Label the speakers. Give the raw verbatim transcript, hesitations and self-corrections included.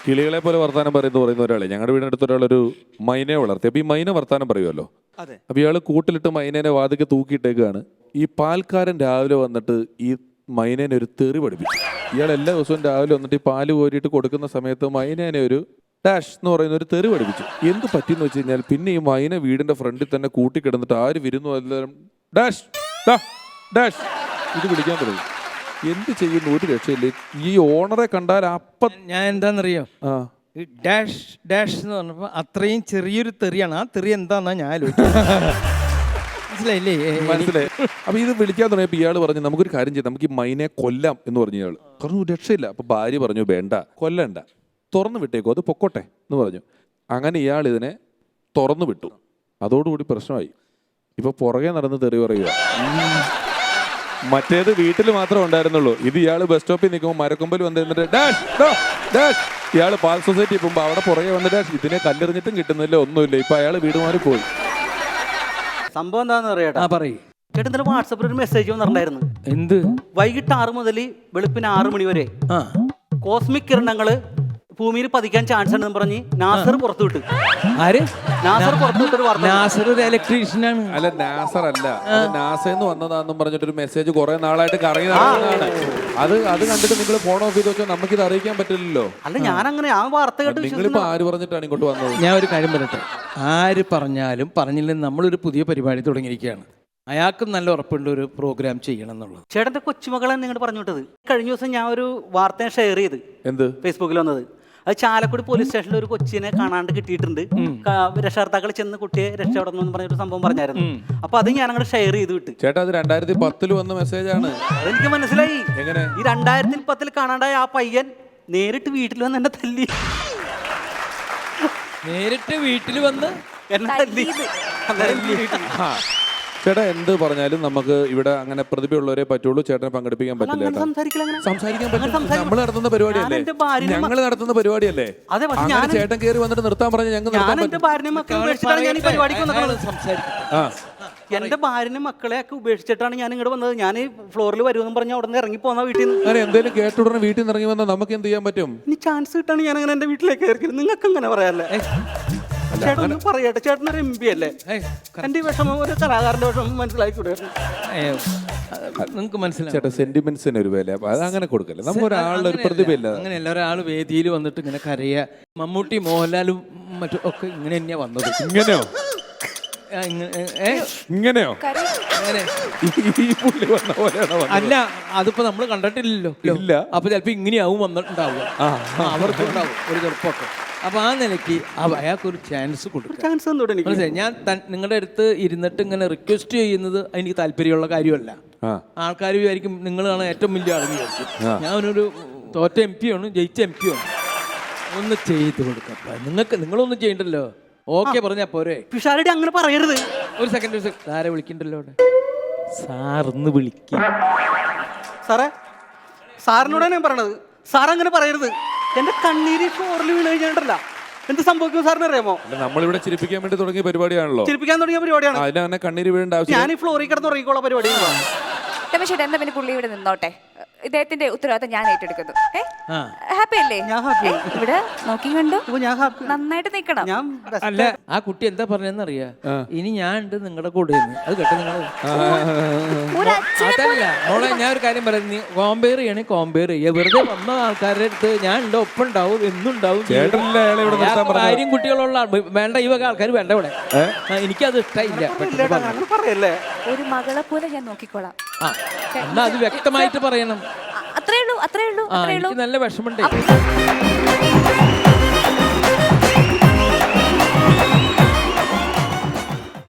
Speaker 1: കിളികളെ പോലെ വർത്താനം പറയുന്നു പറയുന്ന ഒരാളെ ഞങ്ങളുടെ വീടിനടുത്ത് ഒരാളൊരു മൈനയെ വളർത്തി. അപ്പൊ ഈ മൈന വർത്താനം പറയുമല്ലോ. അപ്പൊ ഇയാള് കൂട്ടിലിട്ട് മൈനേനെ വാതിക്ക് തൂക്കിയിട്ടേക്കാണ്. ഈ പാൽക്കാരൻ രാവിലെ വന്നിട്ട് ഈ മൈനേനെ ഒരു തെറി പഠിപ്പിച്ചു. ഇയാൾ എല്ലാ ദിവസവും രാവിലെ വന്നിട്ട് ഈ പാല് കോരിയിട്ട് കൊടുക്കുന്ന സമയത്ത് മൈനേനെ ഒരു ഡാഷ് എന്ന് പറയുന്ന ഒരു തെറി പഠിപ്പിച്ചു. എന്ത് പറ്റിയെന്ന് വെച്ച് കഴിഞ്ഞാൽ പിന്നെ ഈ മൈന വീടിന്റെ ഫ്രണ്ടിൽ തന്നെ കൂട്ടിക്കിടന്നിട്ട് ആര് വരുന്നു എല്ലാവരും ഡാഷ് ഡാഷ് ഇത് വിളിക്കാൻ തുടങ്ങി. എന്ത് ചെയ്യുന്നു ഒരു രക്ഷയില്ല. ഈ ഓണറെ കണ്ടാൽ അപ്പം
Speaker 2: ഞാൻ എന്താണെന്നറിയോ,
Speaker 1: ആ
Speaker 2: ഡാഷ് ഡാഷ് എന്ന് പറഞ്ഞപ്പോൾ അത്രയും ചെറിയൊരു തെറിയാണ്. ആ തെറി എന്താന്നാ ഞാൻ ആലോചിച്ചത്. മനസ്സിലായില്ലേ?
Speaker 1: മനസ്സിലായി. അപ്പൊ ഇത് വിളിക്കാൻ തുടങ്ങിയപ്പോൾ ഇയാൾ പറഞ്ഞു നമുക്കൊരു കാര്യം ചെയ്യാം, നമുക്ക് ഈ മൈനെ കൊല്ലാം എന്ന് പറഞ്ഞു. ഇയാൾ പറഞ്ഞു രക്ഷയില്ല. അപ്പൊ ഭാര്യ പറഞ്ഞു വേണ്ട, കൊല്ലണ്ട, തുറന്നു വിട്ടേക്കോ, അത് പൊക്കോട്ടെ എന്ന് പറഞ്ഞു. അങ്ങനെ ഇയാൾ ഇതിനെ തുറന്നു വിട്ടു. അതോടുകൂടി പ്രശ്നമായി. ഇപ്പൊ പുറകെ നടന്ന് തെറി പറയുക. മറ്റേത് വീട്ടിൽ മാത്രമേ ഉണ്ടായിരുന്നുള്ളൂ. ഇത് ഇയാൾ ബസ് സ്റ്റോപ്പിൽ നിൽക്കുമ്പോൾ മരക്കൊമ്പൽ വന്നിരുന്നിട്ട് ഡാഷ് ഡാഷ്. ഇയാൾ പാൽ സൊസൈറ്റി പോകുമ്പോൾ അവിടെ പുറകെ വന്നിട്ട് ഇതിനെ കല്ലെറിഞ്ഞിട്ടും കിട്ടുന്നില്ല, ഒന്നുമില്ല. ഇപ്പൊ അയാൾ വീട് മാറി പോയി.
Speaker 3: സംഭവം എന്താന്ന് അറിയാട്ടാ,
Speaker 2: പറയും
Speaker 3: ചേട്ടൻ ഇന്നലെ വാട്സപ്പിൽ ഒരു മെസ്സേജ് വന്നിട്ടുണ്ടായിരുന്നു.
Speaker 2: എന്ത്?
Speaker 3: വൈകിട്ട് ആറ് മുതൽ വെളുപ്പിന് ആറ് മണി വരെ കോസ്മിക് കിരണങ്ങള് ഭൂമിയിൽ പതിക്കാൻ ചാൻസ് ഉണ്ടെന്ന് പറഞ്ഞ് നാസർ പുറത്തു വിട്ടു.
Speaker 2: ആര്?
Speaker 3: നാസർ പുറത്തു വിട്ടൊരു വാർത്ത.
Speaker 2: നാസർ ഒരു ഇലക്ട്രീഷ്യനാണ്.
Speaker 1: അല്ല നാസർ അല്ല, നാസെന്ന് വന്നതാണെന്നും പറഞ്ഞിട്ടൊരു മെസ്സേജ് കുറെ നാളായിട്ട് കറങ്ങി നടക്കുന്നതാണ്. അത് അത് കണ്ടിട്ട് നിങ്ങൾ ഫോൺ ഓഫ് ചെയ്ത് വെച്ചാൽ നമുക്കിത് അറിയിക്കാൻ പറ്റില്ലല്ലോ.
Speaker 3: അല്ല ഞാൻ അങ്ങനെ ആ വാർത്ത കേട്ട്
Speaker 1: നിങ്ങളിപ്പോ ആര് പറഞ്ഞിട്ടാണ് ഇങ്ങോട്ട് വന്നത്?
Speaker 2: ഞാൻ ഒരു കാര്യം പറയട്ടെ, ആര് പറഞ്ഞാലും പറഞ്ഞില്ലെന്ന് നമ്മളൊരു പുതിയ പരിപാടി തുടങ്ങിയിരിക്കുകയാണ്. അയാൾക്കും നല്ല ഉറപ്പുണ്ട് ഒരു പ്രോഗ്രാം ചെയ്യണം എന്നുള്ളത്.
Speaker 3: ചേട്ടന്റെ കൊച്ചുമകളെ നിങ്ങൾ പറഞ്ഞു വിട്ടത്. കഴിഞ്ഞ ദിവസം ഞാൻ ഒരു വാർത്ത ഷെയർ ചെയ്ത്
Speaker 1: എന്ത്
Speaker 3: ഫേസ്ബുക്കിൽ വന്നത്. അത് ചാലക്കുടി പോലീസ് സ്റ്റേഷനിൽ ഒരു കൊച്ചിനെ കാണാണ്ട് കിട്ടിയിട്ടുണ്ട്. രക്ഷകർത്താക്കൾ ചെന്ന് കുട്ടിയെ രക്ഷപ്പെടണമെന്ന് പറഞ്ഞൊരു സംഭവം പറഞ്ഞായിരുന്നു. അപ്പൊ അത് ഞാൻ അങ്ങോട്ട് ഷെയർ ചെയ്ത് വിട്ട്.
Speaker 1: ചേട്ടാ അത് രണ്ടായിരത്തി പത്തില് വന്ന മെസ്സേജാണ്.
Speaker 3: അതെനിക്ക് മനസ്സിലായി.
Speaker 1: എങ്ങനെ?
Speaker 3: ഈ രണ്ടായിരത്തി പത്തിൽ കാണാണ്ടായ ആ പയ്യൻ നേരിട്ട് വീട്ടിൽ വന്ന് എന്നെ തല്ലി.
Speaker 2: നേരിട്ട് വീട്ടിൽ വന്ന്
Speaker 3: എന്നെ തല്ലി.
Speaker 1: ചേട്ടാ എന്ത് പറഞ്ഞാലും നമുക്ക് ഇവിടെ അങ്ങനെ പ്രതിഭയുള്ളവരെ പറ്റുള്ളൂ. ചേട്ടനെ പങ്കെടുപ്പിക്കാൻ പറ്റില്ല. സംസാരിക്കാൻ പറ്റില്ല. നമ്മൾ നടത്തുന്ന പരിപാടിയല്ലേ, ഞങ്ങൾ നടത്തുന്ന പരിപാടിയല്ലേ. അങ്ങനെ ചേട്ടൻ കയറി വന്നിട്ട് നിർത്താൻ പറഞ്ഞ ഞങ്ങൾ
Speaker 3: എന്റെ ഭാര്യനെ മക്കളെ ഉപേക്ഷിച്ചിട്ടാണ് ഞാൻ ഈ പരിപാടിക്ക് വന്നത്. എന്റെ ഭാര്യനെ മക്കളെ ഒക്കെ ഉപേക്ഷിച്ചിട്ടാണ് ഞാൻ ഇങ്ങോട്ട് വന്നത്. ഞാൻ ഫ്ലോറിൽ വരുമെന്ന് പറഞ്ഞ അവിടെ നിന്ന് ഇറങ്ങി പോന്ന വീട്ടിൽ നിന്ന്.
Speaker 1: അങ്ങനെ എന്തെങ്കിലും കേട്ടുടനെ വീട്ടിൽ നിന്ന് ഇറങ്ങി വന്നാൽ നമുക്ക് എന്ത് ചെയ്യാൻ പറ്റും?
Speaker 3: ഇനി ചാൻസ് കിട്ടാണ് ഞാൻ അങ്ങനെ എന്റെ വീട്ടിലേക്ക് കയറി. നിങ്ങൾക്ക് അങ്ങനെ പറയാല്ലേ? ചേട്ടൻ പറയട്ടെ, ചേട്ടനൊരു എം പി അല്ലേ? എന്റെ വിഷമം ഒരു കലാകാരന്റെ വിഷമം മനസ്സിലാക്കിക്കൂടെ?
Speaker 2: നിങ്ങൾക്ക് മനസ്സിലായി
Speaker 1: ചേട്ടാ, സെന്റിമെന്റ്സിന് ഒരു വില അത് അങ്ങനെ കൊടുക്കല്ലേ. നമുക്ക് ഒരാളുടെ ഒരു പ്രതിഭയില്ല.
Speaker 2: അങ്ങനെയല്ല, ഒരാൾ വേദിയിൽ വന്നിട്ട് ഇങ്ങനെ കരയ. മമ്മൂട്ടി മോഹൻലാലും മറ്റും ഒക്കെ ഇങ്ങനെ തന്നെയാ വന്നത്.
Speaker 1: ഇങ്ങനെയോ ഇങ്ങനെയോ
Speaker 2: അല്ല, അതിപ്പോ നമ്മൾ കണ്ടിട്ടില്ലല്ലോ. ഇല്ല. അപ്പൊ ചിലപ്പോ ഇങ്ങനെയാവും വന്നിട്ടുണ്ടാവുക. അവർക്കുണ്ടാവും ഒരു ചെറുപ്പമൊക്കെ. അപ്പൊ ആ നിലയ്ക്ക് അയാൾക്ക് ഒരു ചാൻസ് കൊടുക്കും. മനസ്സിലായി? ഞാൻ നിങ്ങളുടെ അടുത്ത് ഇരുന്നിട്ട് ഇങ്ങനെ റിക്വസ്റ്റ് ചെയ്യുന്നത് എനിക്ക് താല്പര്യമുള്ള കാര്യമല്ല. ആൾക്കാർ വിചാരിക്കും നിങ്ങളാണ് ഏറ്റവും വലിയ ആളെന്ന് വിചാരിക്കും. ഞാനൊരു തോറ്റ എം പി ആണ്, ജയിച്ച എം പി ആണ്. ഒന്ന് ചെയ്ത് കൊടുക്കാം. നിങ്ങൾക്ക് നിങ്ങളൊന്നും ചെയ്യണ്ടല്ലോ. ഓക്കെ പറഞ്ഞാ പോരെ.
Speaker 3: പിഷാരടി അങ്ങനെ പറയരുത്.
Speaker 2: ഒരു സെക്കൻഡ് ഒരു സെക്കൻഡ് ആരെ വിളിക്കണ്ടല്ലോ അവിടെ. സാറിന്ന് വിളിക്ക.
Speaker 3: സാറേ, സാറിനോടാണ് ഞാൻ പറയണത്. സാർ അങ്ങനെ പറയരുത്. എന്റെ കണ്ണീര് ഫ്ലോറിൽ വീണ് കഴിഞ്ഞിട്ടല്ല എന്ത് സംഭവിക്കും സാറിന് അറിയാമോ?
Speaker 1: നമ്മളിവിടെ ചിരിപ്പിക്കാൻ വേണ്ടി തുടങ്ങിയ പരിപാടിയാണല്ലോ.
Speaker 3: ചിരിപ്പിക്കാൻ തുടങ്ങിയ പരിപാടിയാണ്.
Speaker 1: അതിനെ കണ്ണീര് വീഴേണ്ട ആവശ്യം.
Speaker 3: ഞാൻ ഈ ഫ്ലോറിൽ കിടന്ന് ഉറങ്ങിക്കോളാം പരിപാടി.
Speaker 4: രമേശേട്ടാ, എന്താ പിന്നെ പുള്ളി ഇവിടെ നിന്നോട്ടെ. ഇദ്ദേഹത്തിന്റെ ഉത്തരവാദിത്തം ഞാൻ ഏറ്റെടുക്കുന്നു. ഹാപ്പി അല്ലേ? ഇവിടെ നോക്കി കണ്ടു നന്നായിട്ട് നിക്കണം.
Speaker 2: അല്ല, ആ കുട്ടി എന്താ പറഞ്ഞെന്നറിയാ? ഇനി ഞാൻ ഉണ്ട് നിങ്ങളുടെ കൂടെ. അത് കേട്ടോ നിങ്ങൾ. അതല്ല മോളെ, ഞാൻ ഒരു കാര്യം പറയാം. നീ കോമ്പയർ ചെയ്യണേ കോമ്പയർ ചെയ്യ. വെറുതെ വന്ന ആൾക്കാരുടെ അടുത്ത് ഞാൻ ഉണ്ട് ഒപ്പം ഉണ്ടാവും എന്നുണ്ടാവും. കാര്യം കുട്ടികളുള്ള വേണ്ട, ഈ വക ആൾക്കാർ വേണ്ട ഇവിടെ. എനിക്കത് ഇഷ്ടമില്ല.
Speaker 4: ഒരു മകളെ പോലെ ഞാൻ നോക്കിക്കോളാം.
Speaker 2: എന്നാ അത് വ്യക്തമായിട്ട് പറയണം.
Speaker 4: അത്രേ ഉള്ളൂ, അത്രേ ഉള്ളൂ, അത്രേ ഉള്ളൂ.
Speaker 2: നല്ല വിഷമുണ്ട്.